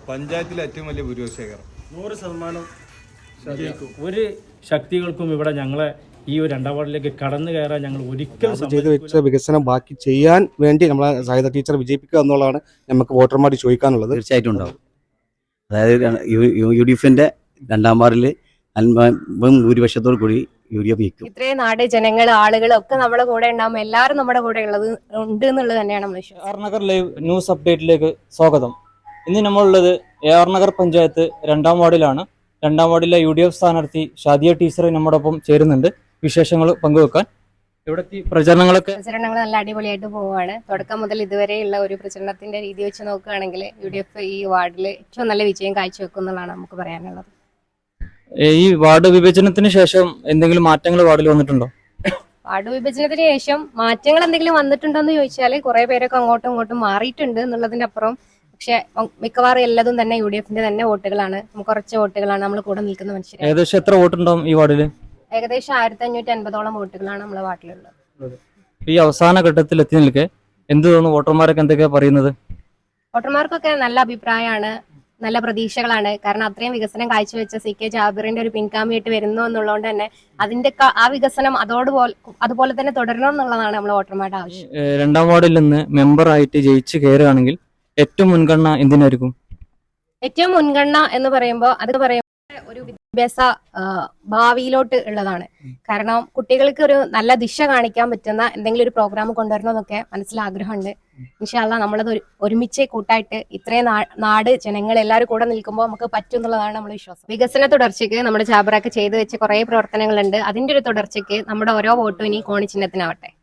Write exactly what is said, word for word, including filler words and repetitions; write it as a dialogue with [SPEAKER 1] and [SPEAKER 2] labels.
[SPEAKER 1] പഞ്ചായത്തിലെ ഏറ്റവും വലിയ ഭൂരിപക്ഷം
[SPEAKER 2] നൂറ് ശതമാനം
[SPEAKER 3] ഒരു ശക്തികൾക്കും ഇവിടെ ഞങ്ങളെ ഈ ഒരു രണ്ടാം വാർഡിലേക്ക് കടന്നു കയറാൻ ഞങ്ങൾ ഒരിക്കലും
[SPEAKER 4] ചെയ്തു വെച്ച വികസനം ബാക്കി ചെയ്യാൻ വേണ്ടി നമ്മളെ സാഹിത്യ ടീച്ചർ വിജയിപ്പിക്കുക എന്നുള്ളതാണ് നമുക്ക് വോട്ടർമാർ ചോദിക്കാനുള്ളത്.
[SPEAKER 5] തീർച്ചയായിട്ടും ഉണ്ടാവും. അതായത് യു ഡി എഫിന്റെ രണ്ടാം വാർഡിൽ ഭൂരിപക്ഷത്തോടു കൂടി യു ഡി എഫ് ജയിക്കും.
[SPEAKER 6] ഇത്രയും നാട് ജനങ്ങൾ ആളുകൾ ഒക്കെ നമ്മുടെ കൂടെ ഉണ്ടാകുമ്പോൾ എല്ലാവരും നമ്മുടെ കൂടെ ഉള്ളത് ഉണ്ട് എന്നുള്ളത് തന്നെയാണ് നമ്മൾ വിശ്വാസം.
[SPEAKER 2] A R Nagar live news അപ്ഡേറ്റിലേക്ക് സ്വാഗതം. ഇന്ന് നമ്മളുള്ളത് എ ആർ നഗർ പഞ്ചായത്ത് രണ്ടാം വാർഡിലാണ്. രണ്ടാം വാർഡിലെ യു ഡി എഫ് സ്ഥാനാർത്ഥി ഷാദിയ ടീച്ചർ നമ്മോടൊപ്പം ചേരുന്നുണ്ട് വിശേഷങ്ങൾ പങ്കുവെക്കാൻ. ഇവിടുത്തെ പ്രചരണങ്ങളൊക്കെ
[SPEAKER 6] പ്രചരണങ്ങൾ നല്ല അടിപൊളിയായിട്ട് പോവുകയാണ്. തുടക്കം മുതൽ ഇതുവരെയുള്ള ഒരു പ്രചരണത്തിന്റെ രീതി വെച്ച് നോക്കുകയാണെങ്കിൽ യു ഡി എഫ് ഈ വാർഡിൽ ഏറ്റവും നല്ല വിജയം കാഴ്ചവെക്കും എന്നുള്ളതാണ് നമുക്ക് പറയാനുള്ളത്.
[SPEAKER 2] ഈ വാർഡ് വിഭജനത്തിന് ശേഷം എന്തെങ്കിലും മാറ്റങ്ങൾ വാർഡിൽ വന്നിട്ടുണ്ടോ?
[SPEAKER 6] വാർഡ് വിഭജനത്തിന് ശേഷം മാറ്റങ്ങൾ എന്തെങ്കിലും വന്നിട്ടുണ്ടോ എന്ന് ചോദിച്ചാൽ കുറെ പേരൊക്കെ അങ്ങോട്ടും ഇങ്ങോട്ടും മാറിയിട്ടുണ്ട് എന്നുള്ളതിന്റെ അപ്പുറം പക്ഷെ മിക്കവാറും എല്ലാതും തന്നെ യു ഡി എഫിന്റെ തന്നെ വോട്ടുകളാണ്. കുറച്ച് വോട്ടുകളാണ് നമ്മൾ കൂടെ നിൽക്കുന്ന മനുഷ്യർ.
[SPEAKER 2] ഏകദേശം എത്ര വോട്ടുണ്ടാവും ഈ വാർഡിൽ?
[SPEAKER 6] ഏകദേശം ആയിരത്തി അഞ്ഞൂറ്റി അൻപതോളം വോട്ടുകളാണ് നമ്മളെ വാർഡിലുള്ളത്.
[SPEAKER 2] ഈ അവസാന ഘട്ടത്തിൽ എത്തി നിൽക്കെ എന്ത് തോന്നുന്നു? വോട്ടർമാരൊക്കെ എന്തൊക്കെയാ പറയുന്നത്?
[SPEAKER 6] വോട്ടർമാർക്കൊക്കെ നല്ല അഭിപ്രായമാണ്, നല്ല പ്രതീക്ഷകളാണ്. കാരണം അത്രയും വികസനം കാഴ്ചവെച്ച സി കെ ജാബിറിന്റെ ഒരു പിൻഗാമിയായിട്ട് വരുന്നു എന്നുള്ളതുകൊണ്ട് തന്നെ അതിന്റെ ആ വികസനം അതോടുപോലെ അതുപോലെ തന്നെ തുടരണം എന്നുള്ളതാണ് നമ്മൾ വോട്ടർമാരുടെ ആവശ്യം.
[SPEAKER 2] രണ്ടാം വാർഡിൽ നിന്ന് മെമ്പർ ആയിട്ട് ജയിച്ചു കയറുകയാണെങ്കിൽ ഏറ്റവും മുൻഗണന എന്തിനായിരിക്കും?
[SPEAKER 6] ഏറ്റവും മുൻഗണന എന്ന് പറയുമ്പോൾ അത് പറയുമ്പോൾ ഒരു വിദ്യാഭ്യാസ ഭാവിയിലോട്ട് ഉള്ളതാണ്. കാരണം കുട്ടികൾക്ക് ഒരു നല്ല ദിശ കാണിക്കാൻ പറ്റുന്ന എന്തെങ്കിലും ഒരു പ്രോഗ്രാം കൊണ്ടുവരണമെന്നൊക്കെ മനസ്സിൽ ആഗ്രഹമുണ്ട്. ഇൻഷാ അല്ലാഹ് നമ്മളത് ഒരുമിച്ച് കൂട്ടായിട്ട് ഇത്രയും നാട് ജനങ്ങൾ എല്ലാവരും കൂടെ നിൽക്കുമ്പോൾ നമുക്ക് പറ്റും എന്നുള്ളതാണ് നമ്മുടെ വിശ്വാസം. വികസന തുടർച്ചയ്ക്ക് നമ്മുടെ ജാബിറൊക്കെ ചെയ്തു വെച്ച കുറെ പ്രവർത്തനങ്ങളുണ്ട്. അതിന്റെ ഒരു തുടർച്ചയ്ക്ക് നമ്മുടെ ഓരോ വോട്ടും ഇനി കോണി ചിഹ്നത്തിനാവട്ടെ.